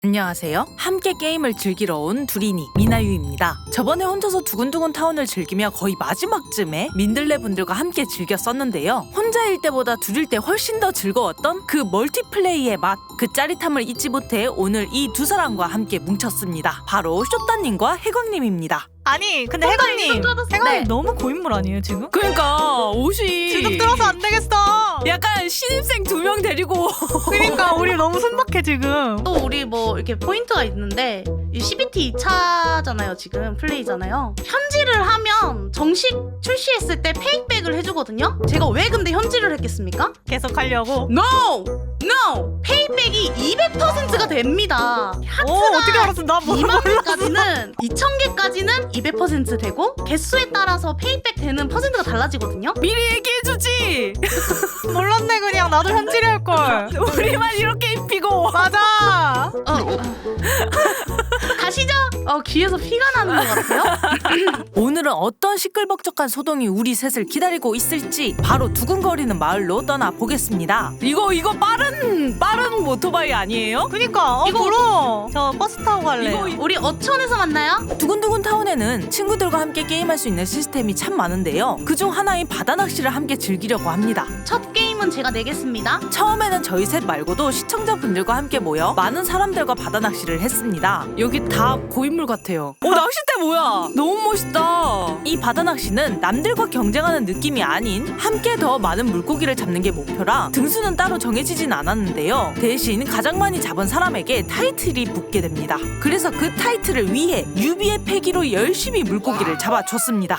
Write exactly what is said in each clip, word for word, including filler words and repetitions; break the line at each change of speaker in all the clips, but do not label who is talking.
안녕하세요. 함께 게임을 즐기러 온 두리니 미나유입니다. 저번에 혼자서 두근두근 타운을 즐기며 거의 마지막쯤에 민들레 분들과 함께 즐겼었는데요. 혼자일 때보다 둘일 때 훨씬 더 즐거웠던 그 멀티플레이의 맛, 그 짜릿함을 잊지 못해 오늘 이 두 사람과 함께 뭉쳤습니다. 바로 쇼따님과 해광님입니다.
아니 근데 해광님 해광님
네.
너무 고인물 아니에요 지금?
그러니까 옷이
지금 들어서 안 되겠어.
약간 신입생 두 명 데리고
그러니까 우리 너무 순박해 지금.
또 우리 뭐 이렇게 포인트가 있는데 이 씨비티 이 차잖아요. 지금 플레이잖아요. 현질을 하면 정식 출시했을 때 페이백을 해주거든요. 제가 왜 근데 현질을 했겠습니까?
계속 하려고.
No! No! 페이백이 이백 퍼센트가 됩니다.
오 어떻게 알았어? 나 뭐,
이만 개까지는 이천 개까지는 이백 퍼센트 되고 개수에 따라서 페이백 되는 퍼센트가 달라지거든요.
미리 얘기해주지.
몰랐네 그냥 나도 현질이 할 걸.
우리만 이렇게 입히고.
맞아.
어, 어. 가시죠. 어, 귀에서 피가 나는 것 같아요.
오늘은 어떤 시끌벅적한 소동이 우리 셋을 기다리고 있을지 바로 두근거리는 마을로 떠나보겠습니다. 이거 이거 빠른 빠른 오토바이 아니에요?
그니까 어,
이거-
부러워. 저 버스 타고 갈래.
이거-
우리 어촌에서 만나요?
두근두근 타운에는 친구들과 함께 게임할 수 있는 시스템이 참 많은데요. 그중 하나인 바다 낚시를 함께 즐기려고 합니다.
첫 게임은 제가 내겠습니다.
처음에는 저희 셋 말고도 시청자분들과 함께 모여 많은 사람들과 바다 낚시를 했습니다. 여기 다 고인물 같아요. 오, 낚싯대 뭐야? 너무 멋있다. 이 바다 낚시는 남들과 경쟁하는 느낌이 아닌 함께 더 많은 물고기를 잡는 게 목표라 등수는 따로 정해지진 않았는데요. 대신 가장 많이 잡은 사람에게 타이틀이 붙게 됩니다. 그래서 그 타이틀을 위해 유비의 패기로 열심히 물고기를 잡아줬습니다.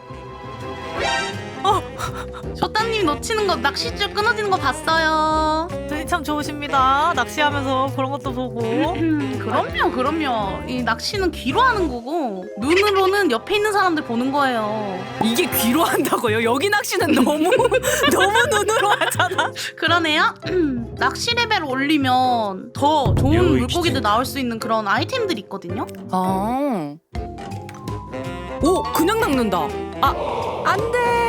쇼따님 놓치는 거 낚싯줄 끊어지는 거 봤어요.
눈이 참 좋으십니다. 낚시하면서 그런 것도 보고.
음, 그럼요, 그럼요. 이 낚시는 귀로 하는 거고 눈으로는 옆에 있는 사람들 보는 거예요.
이게 귀로 한다고요? 여기 낚시는 너무 너무 눈으로 하잖아.
그러네요. 음, 낚시 레벨 올리면 더 좋은 물고기들 나올 수 있는 그런 아이템들이 있거든요.
아. 오, 그냥 낚는다. 아, 안 돼.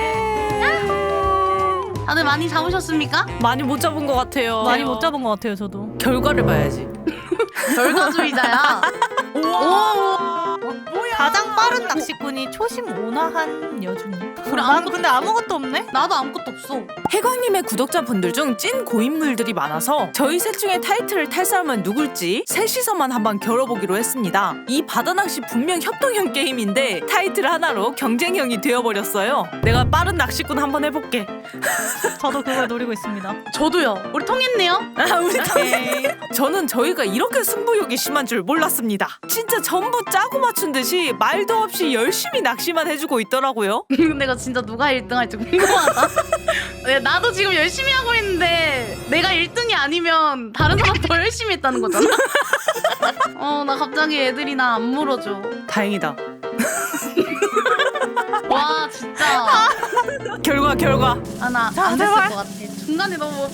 다들 많이 잡으셨습니까?
많이 못 잡은 것 같아요.
많이 못 잡은 것 같아요 저도.
결과를 봐야지.
결과주의자야.
우와.
가장 빠른 낚시꾼이 초심 온화한 여주님.
그래,
난
아무것도
근데 아무것도 없네.
나도 아무것도 없어.
해광님의 구독자분들 중 찐 고인물들이 많아서 저희 셋 중에 타이틀을 탈 사람은 누굴지 셋이서만 한번 겨뤄보기로 했습니다. 이 바다낚시 분명 협동형 게임인데 타이틀 하나로 경쟁형이 되어버렸어요. 내가 빠른 낚시꾼 한번 해볼게.
저도 그걸 노리고 있습니다.
저도요. 우리 통했네요.
아, 우리 덕에 저는 저희가 이렇게 승부욕이 심한 줄 몰랐습니다. 진짜 전부 짜고 맞춘 듯이 말도 없이 열심히 낚시만 해주고 있더라고요.
내가 진짜 누가 일 등 할지 궁금하다. 네, 나도 지금 열심히 하고 있는데 내가 일 등이 아니면 다른 사람 더 열심히 했다는 거잖아. 어, 나 갑자기 애들이 나 안 물어줘.
다행이다.
와, 진짜.
결과 결과.
아, 나
자,
안 됐을
제발.
것 같아. 중간에 너무.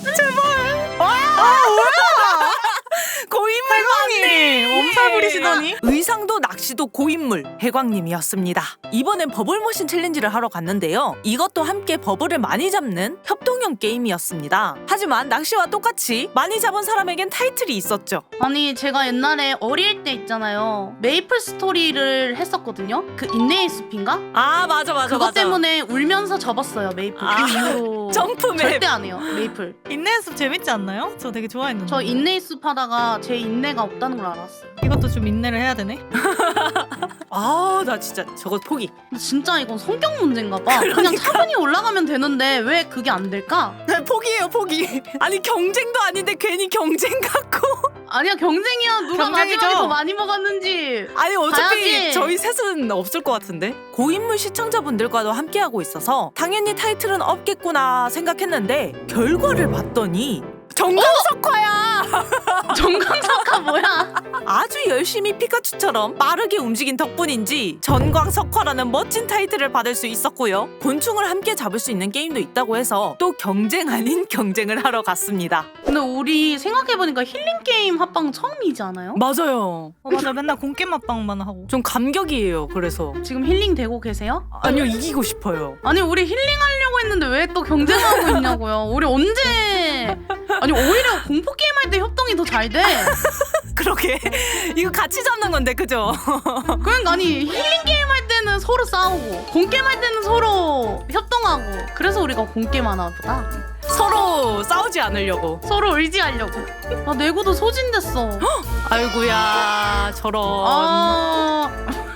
고인물
해광님 엄살 부리시더니.
의상도 낚시도 고인물 해광님이었습니다. 이번엔 버블 머신 챌린지를 하러 갔는데요. 이것도 함께 버블을 많이 잡는 협동형 게임이었습니다. 하지만 낚시와 똑같이 많이 잡은 사람에겐 타이틀이 있었죠.
아니, 제가 옛날에 어릴 때 있잖아요. 메이플 스토리를 했었거든요. 그 인내의 숲인가?
아, 맞아 맞아
그것
맞아.
때문에 울면서 접었어요, 메이플.
아,
그 이후로.
점프맵.
절대 안 해요, 메이플.
인내 숲 재밌지 않나요? 저 되게 좋아했는데.
저 인내의 숲 하다가 제 인내가 없다는 걸 알았어요.
이것도 좀 인내를 해야 되네.
아, 나 진짜 저거 포기.
근데 진짜 이건 성격 문제인가 봐. 그냥 차분히 올라가면 되는데 왜 그게 안 될까?
포기예요, 포기. 아니, 경쟁도 아닌데 괜히 경쟁 같고.
아니야, 경쟁이야. 누가
경쟁이죠.
마지막에 더 많이 먹었는지.
아니, 어차피
봐야지.
저희 셋은 없을 것 같은데. 고인물 시청자분들과도 함께하고 있어서 당연히 타이틀은 없겠구나 생각했는데 결과를 봤더니 정강석화야.
정강석화 뭐야?
아주 열심히 피카츄처럼 빠르게 움직인 덕분인지 전광석화라는 멋진 타이틀을 받을 수 있었고요. 곤충을 함께 잡을 수 있는 게임도 있다고 해서 또 경쟁 아닌 경쟁을 하러 갔습니다.
근데 우리 생각해보니까 힐링 게임 합방 처음이지 않아요?
맞아요.
어 맞아 맨날 공겜 맛방만 하고.
좀 감격이에요. 그래서
지금 힐링 되고 계세요?
아니요, 이기고 싶어요.
아니, 우리 힐링 하려고 했는데 왜 또 경쟁하고 있냐고요. 우리 언제 아니 오히려 공포 게임 할 때 협동이 더 잘 돼.
그러게 이거 같이 잡는 건데 그죠?
그러니까 아니 힐링 게임 할 때는 서로 싸우고 공 게임 할 때는 서로 협동하고 그래서 우리가 공 게임 하나 보다.
서로 싸우지 않으려고.
서로 의지하려고. 아 내구도 소진됐어.
아이고야 저런.
아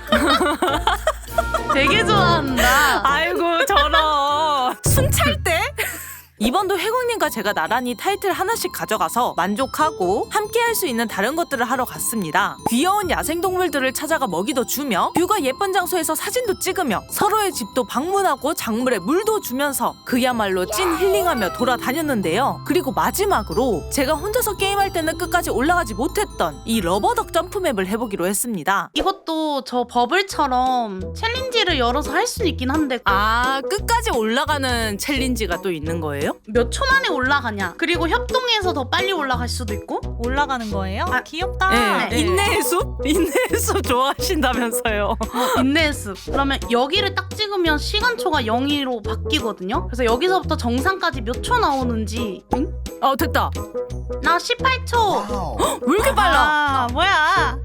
되게 좋아한다.
아이고 저런. 순찰대? 이번도 해공님과 제가 나란히 타이틀 하나씩 가져가서 만족하고 함께 할 수 있는 다른 것들을 하러 갔습니다. 귀여운 야생동물들을 찾아가 먹이도 주며 뷰가 예쁜 장소에서 사진도 찍으며 서로의 집도 방문하고 작물에 물도 주면서 그야말로 찐 힐링하며 돌아다녔는데요. 그리고 마지막으로 제가 혼자서 게임할 때는 끝까지 올라가지 못했던 이 러버덕 점프맵을 해보기로 했습니다.
이것도 저 버블처럼 챌린지를 열어서 할 수 있긴 한데
아, 끝까지 올라가는 챌린지가 또 있는 거예요?
몇 초 만에 올라가냐. 그리고 협동해서 더 빨리 올라갈 수도 있고.
올라가는 거예요?
아,
귀엽다.
네.
네.
인내의 숲? 인내의 숲 좋아하신다면서요.
어, 인내의 습. 그러면 여기를 딱 찍으면 시간초가 영으로 바뀌거든요. 그래서 여기서부터 정상까지 몇 초 나오는지. 응?
어, 됐다.
나 십팔 초.
왜 이렇게 빨라?
아, 뭐야?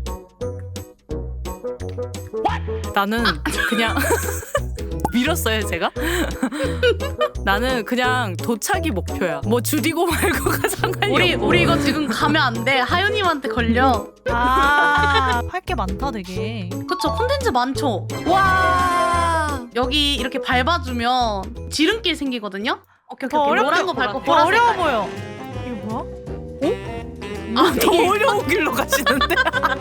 나는 그냥 밀었어요, 제가? 나는 그냥 도착이 목표야. 뭐 줄이고 말고가 상관이
우리
없고.
우리 이거 지금 가면 안 돼. 하윤님한테 걸려.
아, 할 게 많다 되게.
그쵸? 콘텐츠 많죠?
와.
여기 이렇게 밟아주면 지름길 생기거든요? 오케이, 오케이,
더
오케이.
어렵게
노란 거 밟고
더
보라색
어려워
밟고.
보여. 이거 뭐야?
아, 더 어려운 길로 가시는데.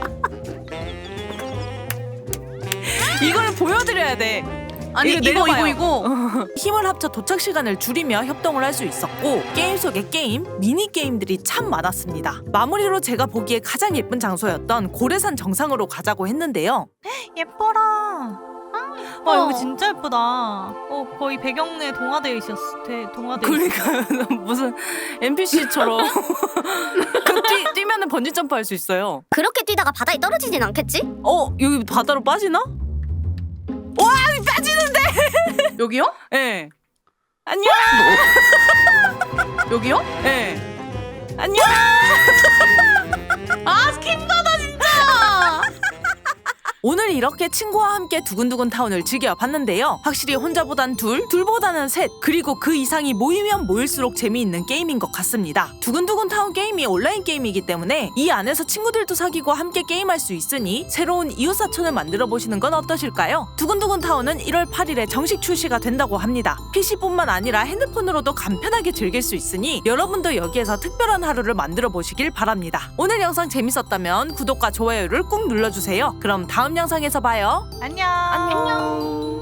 이걸 보여드려야 돼.
아니
이거
이거 이거
내려봐요.
이거.
힘을 합쳐 도착 시간을 줄이며 협동을 할 수 있었고 게임 속의 게임, 미니 게임들이 참 많았습니다. 마무리로 제가 보기에 가장 예쁜 장소였던 고래산 정상으로 가자고 했는데요.
예뻐라.
어.
와, 여기 진짜 예쁘다. 어, 거의 배경에 동화되어 있었어. 대, 동화되어 있어.
그러니까 무슨 엔피씨처럼 그 뛰, 뛰면은 번지 점프 할 수 있어요.
그렇게 뛰다가 바다에 떨어지진 않겠지?
어, 여기 바다로 빠지나? 와, 빠지는데.
여기요?
예. 네. 안녕.
여기요?
예. 네. 안녕.
아 스킵바다 진짜.
오늘 이렇게 친구와 함께 두근두근 타운을 즐겨봤는데요. 확실히 혼자보단 둘, 둘보다는 셋, 그리고 그 이상이 모이면 모일수록 재미있는 게임인 것 같습니다. 두근두근 타운 게임이 온라인 게임이기 때문에 이 안에서 친구들도 사귀고 함께 게임할 수 있으니 새로운 이웃사촌을 만들어보시는 건 어떠실까요? 두근두근 타운은 일월 팔일에 정식 출시가 된다고 합니다. 피씨뿐만 아니라 핸드폰으로도 간편하게 즐길 수 있으니 여러분도 여기에서 특별한 하루를 만들어보시길 바랍니다. 오늘 영상 재밌었다면 구독과 좋아요를 꾹 눌러주세요. 그럼 다음 영상에서 봐요.
안녕.
안녕.